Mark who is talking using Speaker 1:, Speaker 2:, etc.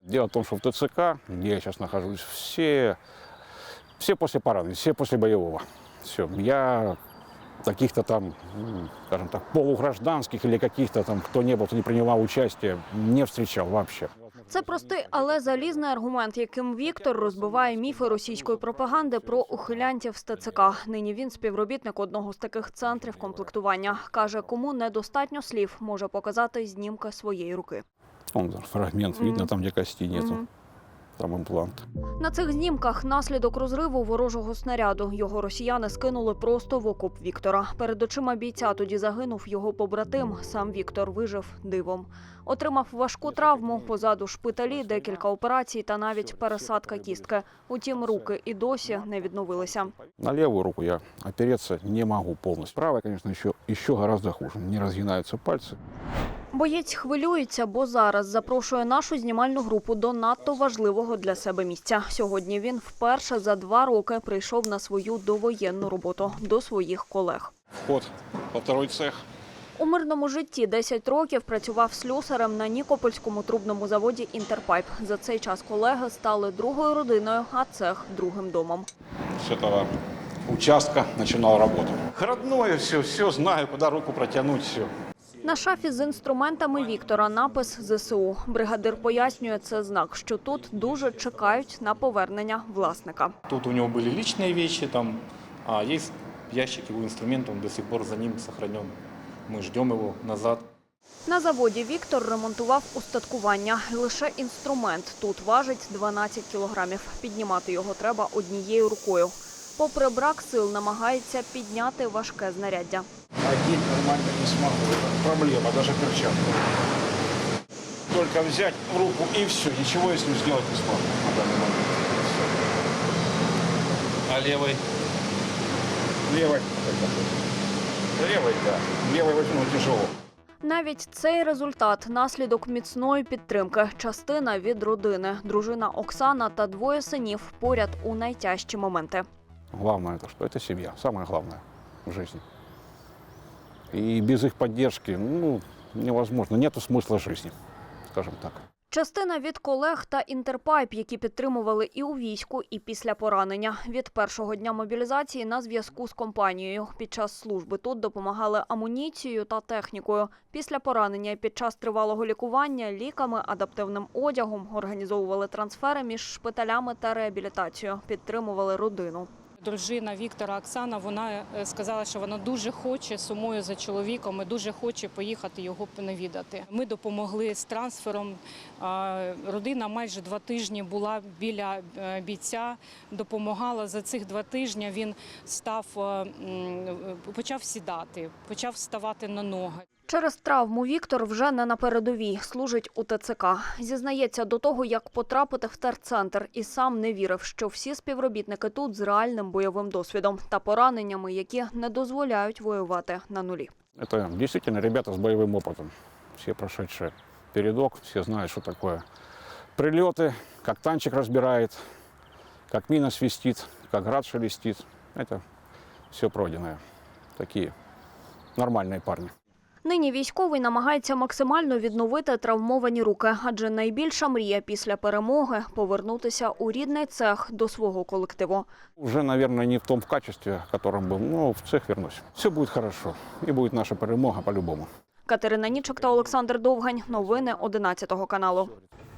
Speaker 1: Дело в том, что в ТЦК, где я сейчас нахожусь, все после поранения, все после боевого. Все. Я каких-то там, скажем так, полугражданских или каких-то там, кто не был, кто не принимал участие, не встречал вообще.
Speaker 2: Це простий, але залізний аргумент, яким Віктор розбиває міфи російської пропаганди про ухилянтів з ТЦК. Нині він співробітник одного з таких центрів комплектування. Каже, кому недостатньо слів, може показати знімки своєї руки.
Speaker 1: Вон фрагмент видно, там, где кости нету. Там імплант.
Speaker 2: На цих знімках наслідок розриву ворожого снаряду. Його росіяни скинули просто в окоп Віктора. Перед очима бійця тоді загинув його побратим. Сам Віктор вижив дивом. Отримав важку травму, позаду шпиталі, декілька операцій та навіть пересадка кістки. Утім, руки і досі не відновилися.
Speaker 1: На левую руку я опереться не могу полностью. Правая, конечно, еще гораздо хуже. Не разгинаются пальцы.
Speaker 2: Боєць хвилюється, бо зараз запрошує нашу знімальну групу до надто важливого для себе місця. Сьогодні він вперше за 2 роки прийшов на свою довоєнну роботу до своїх колег.
Speaker 1: Вход во второй цех.
Speaker 2: У мирному житті 10 років працював слюсарем на Нікопольському трубному заводі «Інтерпайп». За цей час колеги стали другою родиною, а цех – другим домом.
Speaker 1: С этого участка начинал работу. Родное все знаю, куда руку протянуть, все.
Speaker 2: На шафі з інструментами Віктора напис «ЗСУ». Бригадир пояснює, це знак, що тут дуже чекають на повернення власника.
Speaker 3: Тут у него были личные вещи, а есть ящик его инструментов, он до сих пор за ним сохранен. Мы ждем его назад.
Speaker 2: На заводі Віктор ремонтував устаткування. Лише інструмент тут важить 12 кілограмів. Піднімати його треба однією рукою. Попри брак сил, намагається підняти важке знаряддя.
Speaker 1: Одеть нормально не смогу. Это проблема, даже перчатку. Только взять в руку и все. Ничего я с ним сделать не смогу на данный момент.
Speaker 3: А левой?
Speaker 1: Левой. Левой, да. Левой возьму тяжело.
Speaker 2: Навіть цей результат – наслідок міцної підтримки. Частина від родини. Дружина Оксана та 2 синів поряд у найтяжчі моменти.
Speaker 1: Главное это что? Это семья. Самое главное в жизни. И без их поддержки, невозможно. Нету смысла жизни, скажем так.
Speaker 2: Частина від колег та «Інтерпайп», які підтримували і у війську, і після поранення. Від першого дня мобілізації на зв'язку з компанією. Під час служби тут допомагали амуніцією та технікою. Після поранення і під час тривалого лікування – ліками, адаптивним одягом, організовували трансфери між шпиталями та реабілітацією, підтримували родину.
Speaker 4: Дружина Віктора Оксана, вона сказала, що вона дуже хоче, сумує за чоловіком і дуже хоче поїхати його навідати. Ми допомогли з трансфером. Родина майже 2 тижні була біля бійця, допомагала. За цих 2 тижні він почав сідати, почав вставати на ноги.
Speaker 2: Через травму Віктор вже не на передовій, служить у ТЦК. Зізнається, до того, як потрапити в терцентр, і сам не вірив, що всі співробітники тут з реальним бойовим досвідом та пораненнями, які не дозволяють воювати на нулі.
Speaker 1: Это действительно ребята с боевым опытом. Все прошедшие передок, все знают, что такое прилеты, как танчик разбирает, как мина свистит, как град шелестит. Это все пройденное. Такие нормальные парни.
Speaker 2: Нині військовий намагається максимально відновити травмовані руки, адже найбільша мрія після перемоги – повернутися у рідний цех до свого колективу.
Speaker 1: Уже, наверное, не в том качестве, в котором был, но в цех вернусь. Все будет хорошо. И будет наша перемога по-любому.
Speaker 2: Катерина Нічок та Олександр Довгань. Новини 11 каналу.